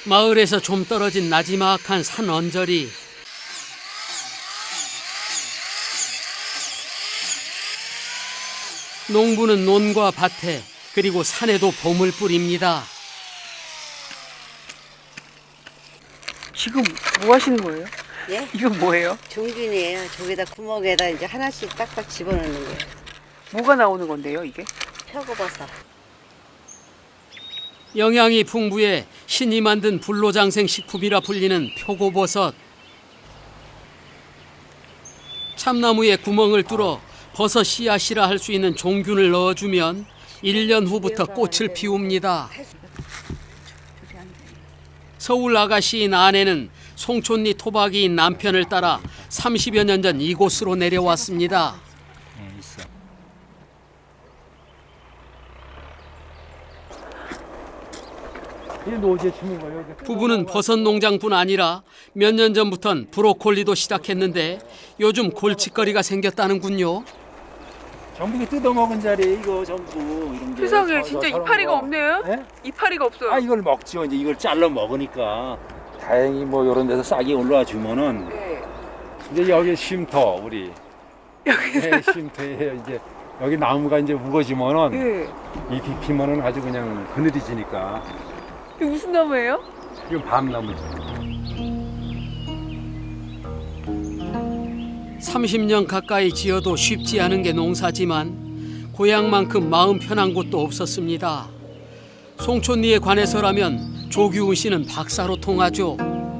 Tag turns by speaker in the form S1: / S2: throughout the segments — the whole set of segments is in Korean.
S1: 마을에서 좀 떨어진 나지막한 산 언저리. 농부는 논과 밭에 그리고 산에도 봄을 뿌립니다.
S2: 지금 뭐 하시는 거예요?
S3: 예?
S2: 이건 뭐예요?
S3: 종균이에요. 저기다 구멍에다 이제 하나씩 딱딱 집어넣는 거예요.
S2: 뭐가 나오는 건데요, 이게?
S3: 표고버섯.
S1: 영양이 풍부해 신이 만든 불로장생 식품이라 불리는 표고버섯. 참나무에 구멍을 뚫어 버섯 씨앗이라 할 수 있는 종균을 넣어주면 1년 후부터 꽃을 피웁니다. 서울 아가씨인 아내는 송촌리 토박이인 남편을 따라 30여 년 전 이곳으로 내려왔습니다. 부부는 버섯 농장뿐 아니라 몇 년 전부턴 브로콜리도 시작했는데 요즘 골칫거리가 생겼다는군요.
S4: 전부 이게 뜯어먹은 자리 이거 전부 이런 게.
S2: 세상에 진짜 이파리가
S4: 거.
S2: 없네요?
S4: 네?
S2: 이파리가 없어요.
S4: 아 이걸 먹죠. 이제 이걸 잘라 먹으니까 다행히 뭐 이런 데서 싹이 올라와 주면은
S2: 네.
S4: 이제 여기 쉼터 우리 네, 쉼터에 이제 여기 나무가 이제 우거지면은
S2: 네.
S4: 잎이 피면은 아주 그냥 그늘이 지니까.
S2: 이게 무슨 나무예요?
S4: 이건 밤나무죠.
S1: 30년 가까이 지어도 쉽지 않은 게 농사지만 고향만큼 마음 편한 곳도 없었습니다. 송촌리에 관해서라면 조규훈 씨는 박사로 통하죠.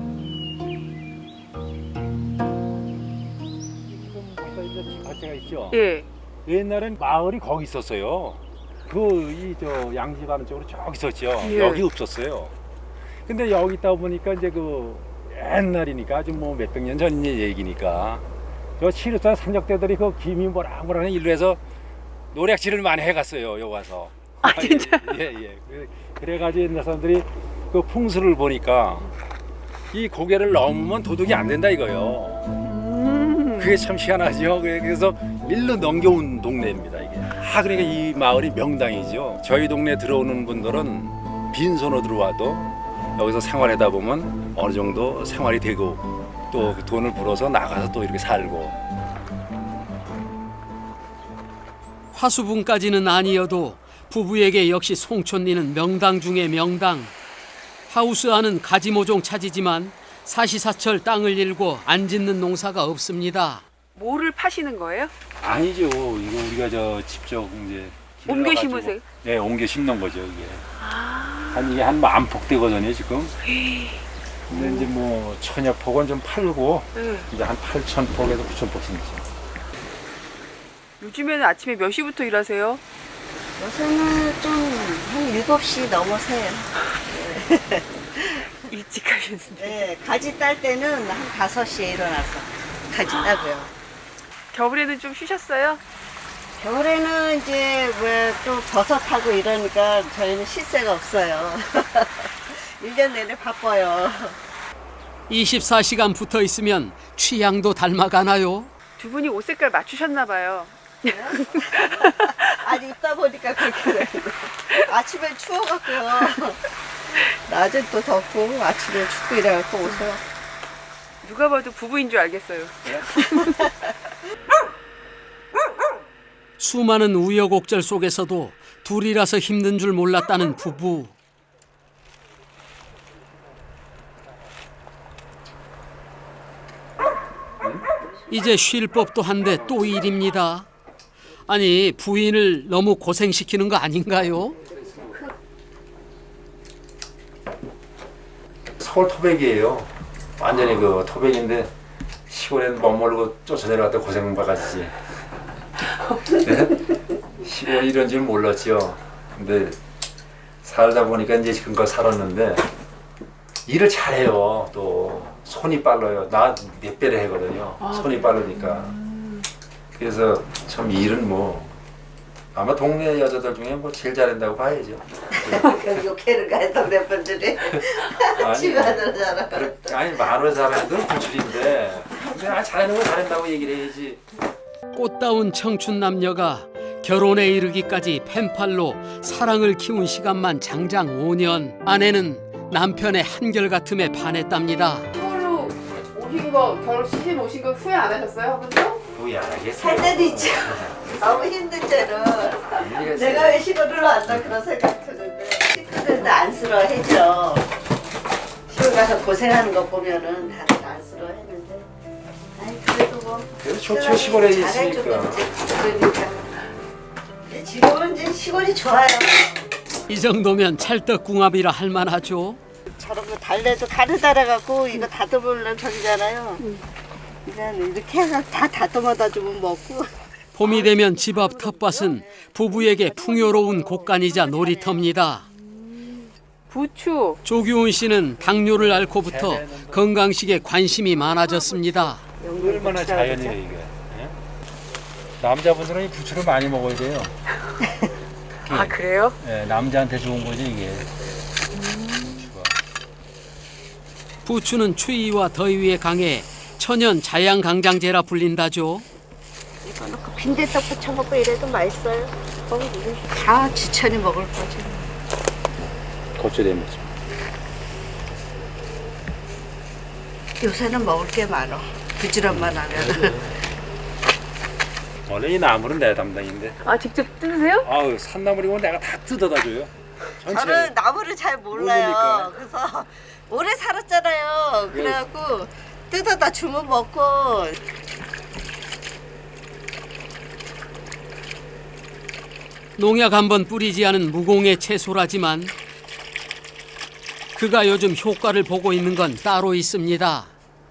S4: 가치가 있죠.
S2: 예.
S4: 옛날엔 마을이 거기 있었어요. 이 저 양지가는 쪽으로 쭉 있었죠.
S2: 예.
S4: 여기 없었어요. 근데 여기 있다 보니까 이제 그 옛날이니까 아주 뭐 몇백 년 전 얘기니까 저 치르산 삼적대들이 그 김이 뭐라 일로 해서 노략질을 많이 해갔어요. 여기 와서.
S2: 아 진짜?
S4: 예. 그래가지고 옛날 사람들이 그 풍수를 보니까 이 고개를 넘으면 도둑이 안 된다 이거요. 그게 참 희한하죠. 그래서 일로 넘겨온 동네입니다 이게. 그러니까 이 마을이 명당이죠. 저희 동네 들어오는 분들은 빈손으로 들어와도 여기서 생활하다 보면 어느 정도 생활이 되고 또 그 돈을 벌어서 나가서 또 이렇게 살고.
S1: 화수분까지는 아니어도 부부에게 역시 송촌리는 명당 중의 명당. 하우스 안은 가지모종 차지지만 사시사철 땅을 일고 안 짓는 농사가 없습니다.
S2: 뭐를 파시는 거예요?
S4: 아니죠. 이거 우리가 저 직접 이제
S2: 옮겨
S4: 길러가지고,
S2: 심으세요?
S4: 네, 옮겨 심는 거죠 이게.
S2: 아.
S4: 이게 한 만 폭 되거든요 지금. 근데 이제 뭐 천여 폭은 좀 팔고
S2: 네.
S4: 이제 한 8천 폭에서 9천 폭 심죠.
S2: 요즘에는 아침에 몇 시부터 일하세요?
S3: 요새는 좀 한 7시 넘어서요.
S2: 일찍 하셨는데.
S3: 네, 가지 딸 때는 한 5시에 일어나서 가지 따고요.
S2: 겨울에는 좀 쉬셨어요?
S3: 겨울에는 이제 왜 또 버섯하고 이러니까 저희는 쉴 새가 없어요. 1년 내내 바빠요.
S1: 24시간 붙어 있으면 취향도 닮아가나요?
S2: 두 분이 옷 색깔 맞추셨나 봐요.
S3: 아니 입다 보니까 그렇게 돼요. 아침엔 추워갖고요. 낮엔 또 덥고 아침에 춥고 이래갖고 옷을.
S2: 누가 봐도 부부인 줄 알겠어요.
S1: 수많은 우여곡절 속에서도 둘이라서 힘든 줄 몰랐다는 부부. 이제 쉴 법도 한데 또 일입니다. 아니 부인을 너무 고생시키는 거 아닌가요?
S4: 서울 토백이에요. 완전히 그 토백인데 시골에는 머물고 쫓아내려갔다 고생 바가지지. 네? 시골 이런 줄 몰랐죠. 근데 살다 보니까 이제 지금껏 살았는데 일을 잘해요. 또 손이 빨라요. 나 몇 배를 하거든요. 손이 빠르니까. 그래서 참 일은 뭐 아마 동네 여자들 중에 뭐 제일 잘한다고 봐야죠.
S3: 욕해는 가요 동네 분들이. 집에 들어잖아.
S4: 아니 말을 잘하는 부출인데 근데 잘하는 거 잘한다고 얘기를 해야지.
S1: 꽃다운 청춘 남녀가 결혼에 이르기까지 펜팔로 사랑을 키운 시간만 장장 5년. 아내는 남편의 한결같음에 반했답니다.
S2: 서울로 오신 거, 결혼 시즌 오신 거 후회 안 하셨어요, 아버지도?
S4: 후회 안 하겠어요.
S3: 살 때도 있죠. 너무 힘든 채로 내가 왜 시골을 왔나 그런 생각 드는데 시골인데 안쓰러워했죠. 시골 가서 고생하는 거 보면은 다들 안쓰러워했는데 아니 그래도 뭐
S4: 그래도 좋죠, 시골에 있으니까.
S3: 잘해주고 이제 그러니까 이제 지금은 이제 시골이 좋아요.
S1: 이 정도면 찰떡궁합이라 할 만하죠.
S3: 저런 거 달래도 가루 달아갖고 이거 다듬으려면 저기잖아요. 그냥 이렇게 해서 다 다듬어다 주면 먹고.
S1: 봄이 되면 집 앞 텃밭은 부부에게 풍요로운 곳간이자 놀이터입니다.
S2: 부추.
S1: 조규훈 씨는 당뇨를 앓고부터 건강식에 관심이 많아졌습니다.
S4: 얼마나 자연이에요 이게. 예? 남자분들은 이 부추를 많이 먹어야 돼요.
S2: 아, 그래요?
S4: 예, 남자한테 좋은 거지 이게.
S1: 부추는 추위와 더위에 강해 천연 자양강장제라 불린다죠.
S3: 이거 넣고 빈대떡 부쳐 먹고 이래도 맛있어요. 다 지천이 먹을 거지.
S4: 겉절이 먹죠.
S3: 요새는 먹을 게 많아. 부지런만 하면.
S4: 원래 이 나물은 내 담당인데.
S2: 아, 직접 뜯으세요?
S4: 아우 산나물이고 내가 다 뜯어다 줘요. 전체.
S3: 저는 나물을 잘 몰라요.
S4: 모르니까.
S3: 그래서 오래 살았잖아요. 그래갖고 뜯어다 주면 먹고.
S1: 농약 한 번 뿌리지 않은 무공의 채소라지만 그가 요즘 효과를 보고 있는 건 따로 있습니다.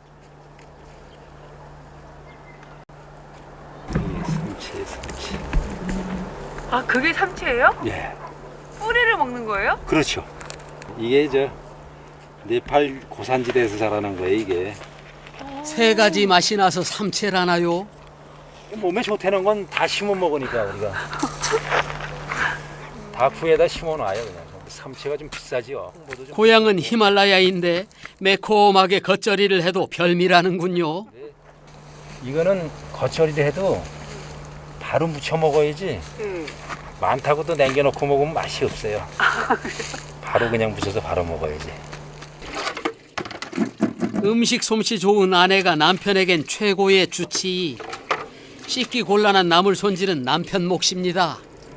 S4: 삼치.
S2: 아, 그게 삼치예요?
S4: 예.
S2: 뿌리를 먹는 거예요?
S4: 그렇죠. 이게 저 네팔 고산지대에서 자라는 거예요 이게.
S1: 세 가지 맛이 나서 삼채라나요?
S4: 몸에 좋다는 건 다 심어 먹으니까 우리가. 다프에다 심어 놔요 그냥. 삼치가 좀 비싸지요. 홍보도 좀.
S1: 고향은 히말라야인데 매콤하게 겉절이를 해도 별미라는군요.
S4: 이거는 겉절이를 해도 바로 무쳐 먹어야지. 많다고도 남겨놓고 먹으면 맛이 없어요. 바로 그냥 무쳐서 바로 먹어야지.
S1: 음식 솜씨 좋은 아내가 남편에겐 최고의 주치. 씻기 곤란한 나물 손질은 남편 몫입니다.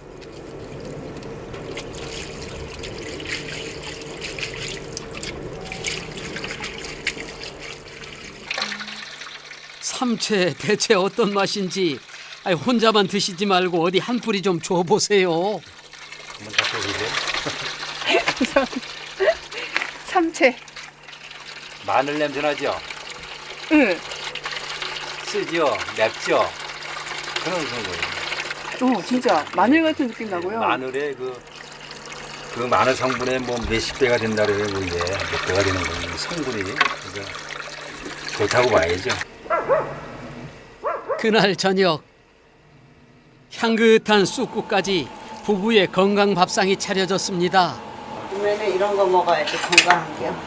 S1: 삼채 대체 어떤 맛인지 혼자만 드시지 말고 어디 한 뿌리 좀 줘보세요.
S4: 한번 잡숴보세요.
S2: 삼채.
S4: 마늘 냄새 나죠?
S2: 응.
S4: 쓰죠? 맵죠? 그런 거예요.
S2: 진짜 마늘 같은 느낌 나고요.
S4: 마늘의 그 마늘 성분의 뭐 몇십 배가 된다 그래요. 이게 몇 배가 되는 거예요. 성분이. 그래서 좋다고 봐야죠.
S1: 그날 저녁 향긋한 쑥국까지 부부의 건강 밥상이 차려졌습니다.
S3: 그러면 이런 거 먹어야지 건강한 게요.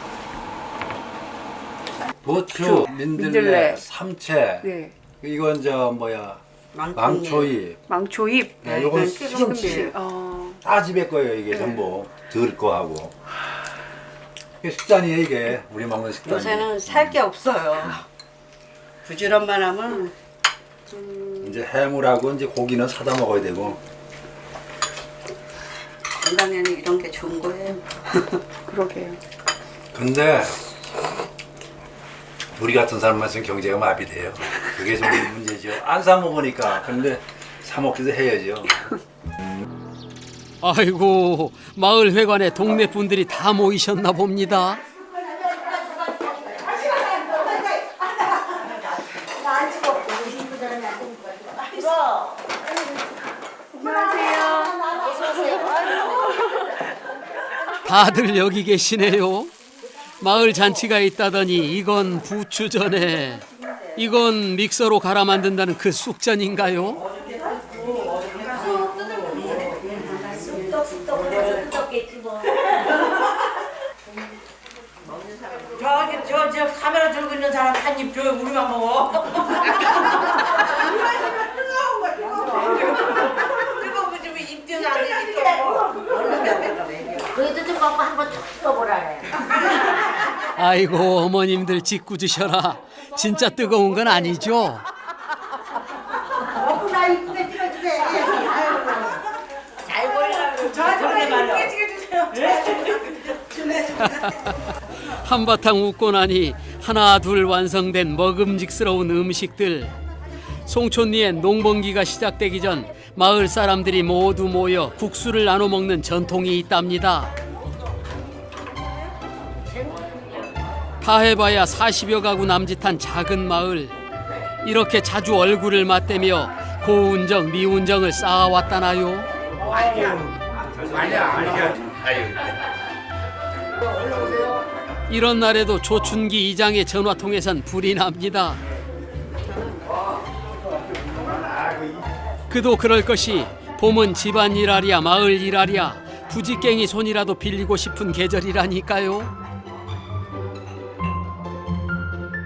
S4: 부추,
S2: 민들레.
S4: 삼채,
S2: 네.
S4: 이건 저 뭐야 망초잎.
S2: 망초잎.
S4: 네, 요건
S3: 시금치.
S4: 시금치.
S2: 어.
S4: 다 집에 거예요 이게 전부. 들 거하고. 이게 식단이에요 이게 우리 먹는 식단이.
S3: 요새는 살 게 없어요. 부지런만 하면
S4: 이제 해물하고 이제 고기는 사다 먹어야 되고.
S3: 건강에는 이런 게 좋은 거예요.
S2: 그러게요.
S4: 근데 우리 같은 사람만 있으면 경제가 마비돼요. 그게 좀 문제죠. 안 사 먹으니까. 근데 사 먹기도 해야죠.
S1: 아이고 마을 회관에 동네 분들이 다 모이셨나 봅니다. 다들 여기 계시네요. 마을 잔치가 있다더니 이건 부추전에 이건 믹서로 갈아 만든다는 그 쑥전인가요?
S5: 저 카메라 들고 있는 사람 한 입 줘요. 우리만 먹어. 그래도 좀 갖고 한번 툭 떠보라래.
S1: 아이고 어머님들 짓궂으셔라. 진짜 뜨거운 건 아니죠?
S3: 나 이쁘게 찍어주세요.
S5: 잘 보이라고.
S3: 저한테 이쁘게 찍어주세요.
S1: 한바탕 웃고 나니 하나 둘 완성된 먹음직스러운 음식들. 송촌리엔 농번기가 시작되기 전 마을 사람들이 모두 모여 국수를 나눠 먹는 전통이 있답니다. 다 해봐야 40여 가구 남짓한 작은 마을. 이렇게 자주 얼굴을 맞대며 고운정 미운정을 쌓아왔다나요? 이런 날에도 조춘기 이장의 전화통에선 불이 납니다. 그도 그럴 것이 봄은 집안 일하랴 마을 일하랴 부지깽이 손이라도 빌리고 싶은 계절이라니까요.